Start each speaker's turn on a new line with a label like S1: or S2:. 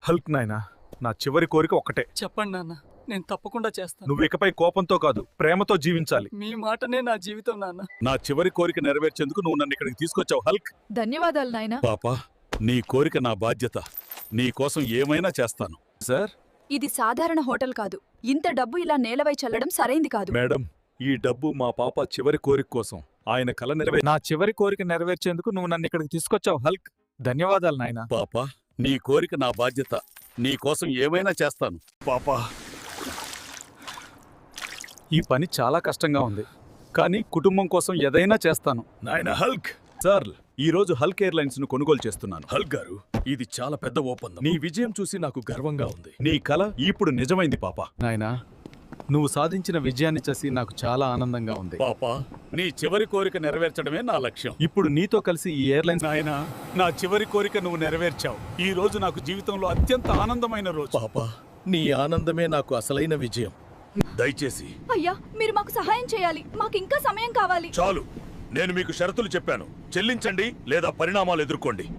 S1: Hulk నాయనా, నా చివరి కోరిక ఒక్కటే.
S2: చెప్పండి నాన్న, నేను తప్పకుండా చేస్తాను.
S1: నువ్వు ఇకపై కోపంతో కాదు, ప్రేమతో జీవించాలి.
S2: మీ మాటనే నా జీవితం నాన్న.
S1: నా చివరి కోరిక నెరవేర్చేందుకు నువ్వు నన్ను ఇక్కడికి తీసుకొచ్చావు హల్క్.
S3: ధన్యవాదాలు నాయనా.
S1: పాపా, నీ కోరిక నా బాధ్యత. నీ కోసం ఏమైనా చేస్తాను. సార్,
S3: ఇది సాధారణ హోటల్ కాదు. ఇంత డబ్బు ఇలా నేలవై చల్లడం సరైంది కాదు.
S1: మేడం, ఈ డబ్బు మా పాప చివరి కోరిక కోసం. ఆయన కల నా చివరి కోరిక నెరవేర్చేందుకు నువ్వు నన్ను ఇక్కడికి తీసుకొచ్చావు హల్క్. ధన్యవాదాలు నాయనా. పాపా, నీ కోరిక నా బాధ్యత. నీ కోసం ఏమైనా చేస్తాను. పాపా, ఈ పని చాలా కష్టంగా ఉంది, కానీ కుటుంబం కోసం ఏదైనా చేస్తాను. నాయనా హల్క్. సార్, ఈ రోజు హల్క్ ఎయిర్లైన్స్ ను కొనుగోలు చేస్తున్నాను. హల్క్ గారు, ఇది చాలా పెద్ద ఒప్పందం. నీ విజయం చూసి నాకు గర్వంగా ఉంది. నీ కల ఇప్పుడు నిజమైంది పాపా. నాయనా, నువ్వు సాధించిన విజయాన్ని చూసి నాకు చాలా ఆనందంగా ఉంది. పాపా, నీ చివరి కోరిక నెరవేర్చడమే నా లక్ష్యం. ఇప్పుడు నీతో కలిసి ఈ ఎయిర్లైన్స్. నాయనా, నా చివరి కోరిక నువ్వు నెరవేర్చావు. ఈ రోజు నాకు జీవితంలో అత్యంత ఆనందమైన రోజు. పాపా, నీ ఆనందమే నాకు అసలైన విజయం. దయచేసి.
S3: అయ్యా, మీరు మాకు సహాయం చేయాలి. మాకు ఇంకా సమయం కావాలి.
S1: చాలు, నేను మీకు షరతులు చెప్పాను. చెల్లించండి లేదా పరిణామాలు ఎదుర్కోండి.